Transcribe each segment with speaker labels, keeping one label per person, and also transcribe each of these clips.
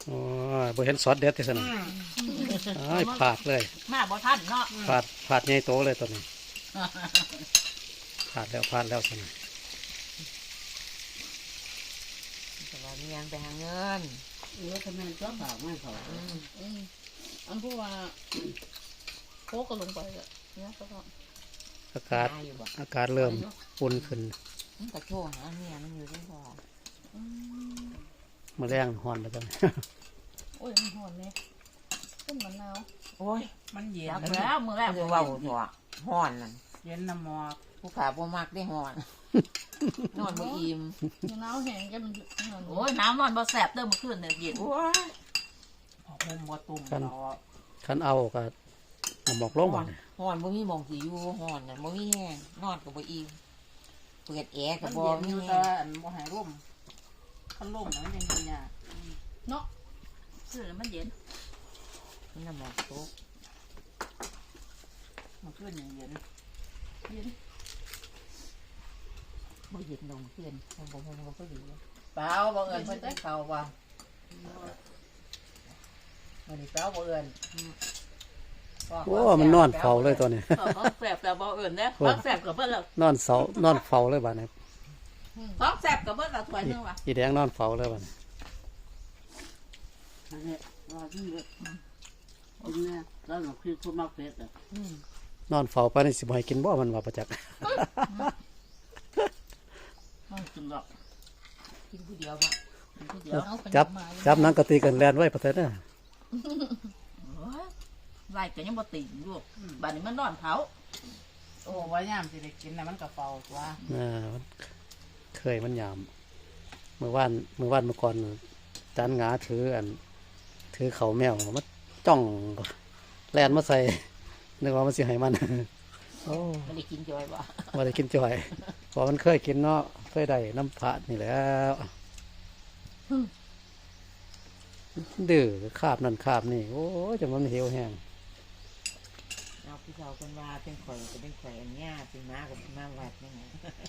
Speaker 1: อ๋อบ่เห็นซอสเด็ดที่สนอ้ายผาดเลย
Speaker 2: มาบ่ทันเนาะ
Speaker 1: ผาดใหญ่โตเลยตัวนี้ผาดแล้วสน
Speaker 3: แต่ว่ามียังไปหาเงิน
Speaker 4: ทำไมก็ฝากไม่เขา
Speaker 2: อันพูดว่าโคก็ลงไปอ่ะเนี่ยก็ต้อง
Speaker 1: อากาศ
Speaker 3: หอยู่บ่
Speaker 1: อากาศเริ่มอุ่นขึ้น
Speaker 3: มันก็โทรหาเมียมันอยู่ที่บ่
Speaker 1: มื้อแรงฮ้อนแล้วจัง
Speaker 2: โอ้ยมันหอนเนี่ยต้นมะนาว
Speaker 3: โอ้ย
Speaker 4: มันเย็น
Speaker 2: จับแล้วมือแรก
Speaker 3: จะเว้าหัวฮ้อนนั่น
Speaker 4: เย็นน้ำหมอก
Speaker 3: ผู้ขาบ่มักได้ฮ้อน นอนบ่อิ่ม
Speaker 2: มะนาวแห้งจะมันโอ้ยน้ำนอนบ่แสบเติมมาขึ้นเนี่ยเย็น
Speaker 3: โอ้ย
Speaker 4: ห่มบ่ตุ่มเรา
Speaker 1: คันเอาก็หมอกลง
Speaker 3: ฮ้
Speaker 1: บ่
Speaker 3: อนฮ้อนบ่มีหม่องสิอยู่ฮ้อนน่ะบ่มีแห้งนอนก็บ่อิ่มเปิดแอร์ก็
Speaker 4: มัน
Speaker 3: บ่
Speaker 4: เย็นอ
Speaker 3: มี
Speaker 4: ยู่
Speaker 3: แห้
Speaker 4: แต่
Speaker 3: ง
Speaker 4: อันบ่หายร่มคันร่มมันยังเป็นยาก
Speaker 2: เนาะซื้อมันเย็น
Speaker 3: มันน่ะหมอกตก
Speaker 4: มันขึ้นอย่างเย็น
Speaker 3: บ่เย็นลงเพื่อนผมก็บ่ดีเปล่าบ่เอิ้นเพิ่นได้เข้าว่าวันนี้เปล่าบ่เอิ้น
Speaker 1: โอ้มันนอนเฝ้าเลยตัวนี้
Speaker 2: ท้องแสบแต่บ่อื่นเนี่ยท้องแสบกับเพิ่นละ
Speaker 1: นอนเฝ้าเลยบัดนี้
Speaker 2: ท้องแสบกับเพิ่นละถ้วยนึงว่ะ
Speaker 1: อีแดงนอนเฝ้าเลยบัดนี้
Speaker 4: อันนี้ว่าที่เด็กกินเนี่ยแล้วหนูคือคนมากเผ็ดอ่ะ
Speaker 1: นอนเฝ้าปานนี้สิบ่ให้กินบ่มันว่าประจักษ์
Speaker 4: มันกินหรอก
Speaker 3: กินผู้เดียวบ่
Speaker 2: เดี๋ยวเอา
Speaker 1: จับหนังกะตีกันแล่นไว้ประเทศน่ะ
Speaker 2: ไล่ก็ยังบ่ติ่งลูกบัดนี้มันนอนเผา
Speaker 4: โอ้ว่ายามสิได้กินนะมันกระเป๋าตัว
Speaker 1: มันเคยมันยามเมื่อวานเมื่อก่อนจานหงาถือเขาแมวมาจ้องแล่นมาใส่นึกว่ามันสิให้มันโอ้
Speaker 3: ไม่ได้กินจอยบ่
Speaker 1: ว่าได้กินจ่อยเพอมันเคยกินเนาะเคยได้น้ำพระนี่แหล้วดื้อคาบนั่นคาบนี่โอ้ยจนมันเหี่ยวแห้ง
Speaker 3: เอาพี่สาวคนว่าเป็นข่อยก็เป็นข่อยอันเนี้ยเป็นม้ากับม้าวัดนี่ไง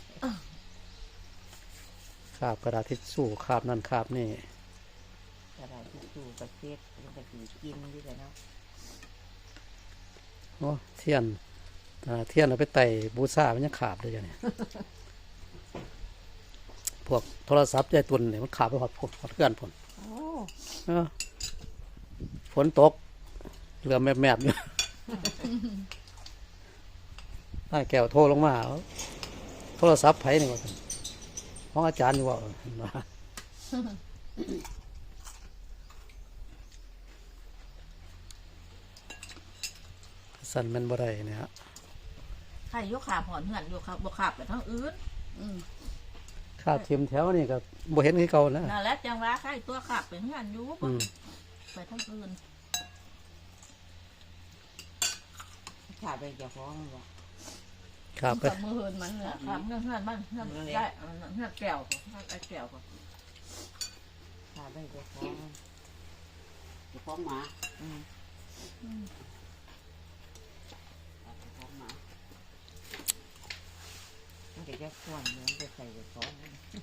Speaker 1: คาบกระดาษทิชชู่คาบนั่นคาบนี่
Speaker 3: กระดาษทิชชู่กระเซ็ดมันก็สิกินอยู่แล้วเนาะ
Speaker 1: โอ้เทียนเอาไปไต่บูชามันยังขาบเลยเนี่ย พวกโทรศัพท์ยายตุนเนี่ยมันขาบไปหอดเพื่อนผล
Speaker 3: โอ้
Speaker 1: ฝนตกเรือแมบๆอยู่ ได้แก้วโทรลงมาโทรศัพท์ไผนี่ว่าของอาจารย์อยู่ว่าสั่นแมันบ่ได้เนี่ยฮะ
Speaker 2: ใครยกขาหอนเหือนยกขาบ่ขาบไปทั้งอื่น
Speaker 1: คาบเทียมแถวนี่ก็บ่เห็นคือเก่านะ
Speaker 2: นั่นแหละจังว่าใครตัวขาบไปเหือนอยู่บ่ไปทั้งอื่น
Speaker 3: ขาไปจะฟ้องบ่
Speaker 1: คาบไป
Speaker 2: กับมือเหินมันเนี่ยขาบเหือนมันเหือนได้เหือนแก้วไอ้แก้ว
Speaker 3: ขาไปจะฟ้อง
Speaker 4: จะฟ้องหมา
Speaker 3: อืม
Speaker 4: จะฟ้องหมา
Speaker 3: มันก็จะควรมันจะใส่จะฟ้อง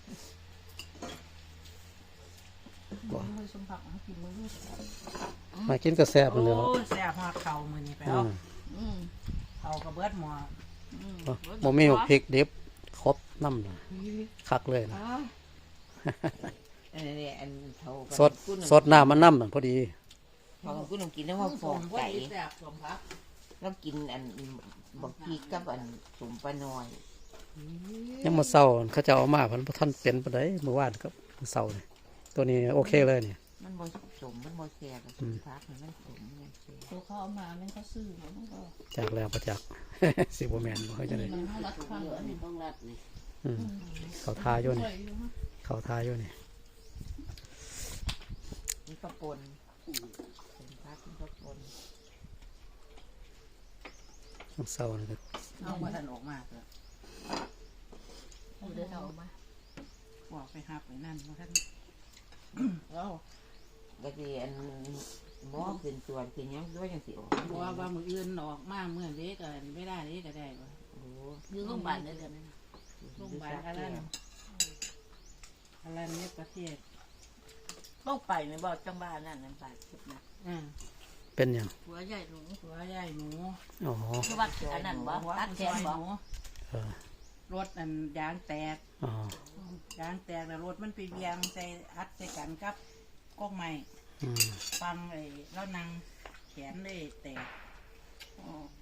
Speaker 2: มือสมผักกินมือ
Speaker 1: มากินก็แซ่บมันเลย
Speaker 4: โอ้ยแซ่บหอดเข่ามือนี่ไปเอาเข่ากระเบิดหมอ
Speaker 1: บ่มีพริกดิบครบน้ำน่ะคักเลยนะ
Speaker 3: อันนี้อันเท่า
Speaker 1: สดน้ำมันน้ำน่ะพอดี
Speaker 3: เท่ากูต้องกินแล้วว่าฟองไก่
Speaker 4: แซ่บสมพัก
Speaker 3: แล้วกินอันบักพีกับอันสมปลาน้อย
Speaker 1: ยังมาเศร้าเขาจะเอามาพันท่านเป็นปานใดเมื่อวานครับเศร้านี่ตัวนี้โอเคเลยเนี่ย
Speaker 3: มันบ่สมมันบ่แซ่บสมพักมันสมมันแซ่บ
Speaker 2: ตัวเขาเอามาแม่เขาซื้อมันก็
Speaker 1: จากแล้วประจักษ์ สิบแมนบ่เคยจะได้
Speaker 2: มันรัดข้าง
Speaker 4: อันนี้ต้องรัดนี่
Speaker 1: เขาทาอยู่นี่เขาทาอยู่นี่
Speaker 3: นี่กระปนสมพักนี่กระปน
Speaker 1: เศร้านี่ก็
Speaker 4: เอามาทันออกมาเถอะ
Speaker 2: เดี๋ยวเอามา
Speaker 4: บอกไปหับไปนั่นมาทัน
Speaker 3: แล้วก็สิอันหมอขึ้นตรวจขึ้นหยังด้วยจังสิออก
Speaker 4: บอกว่ามืออื่นออกมาเมื่อเด็กกันไม่ได้เด็กก็ได้บ่
Speaker 3: โอ้
Speaker 2: อยู่โรงพยาบาลเดี๋ยวนี้
Speaker 4: โรงพยาบาลอะไรเนี่ยประเทศ
Speaker 3: ต้องไปในบ่อจังบ้านนั่นนั่นไปคลิปนะ
Speaker 1: เป็นอย่าง
Speaker 2: หัวใหญ่หนู
Speaker 4: หัวใหญ่หนู
Speaker 1: อ๋อ
Speaker 2: คือว่าอันนั้นบ่
Speaker 4: หัว
Speaker 2: ตัดแขน
Speaker 4: ห
Speaker 2: บ่
Speaker 4: นู
Speaker 1: เออ
Speaker 4: รถอันยางแตก
Speaker 1: อ๋อย
Speaker 4: างแตกแล้วรถมันไปเบียงใส่อัดใส่กันกับกอกไม้
Speaker 1: อืม
Speaker 4: ฟังไอ้แล้วนางแขนได้แตก
Speaker 2: อ๋อ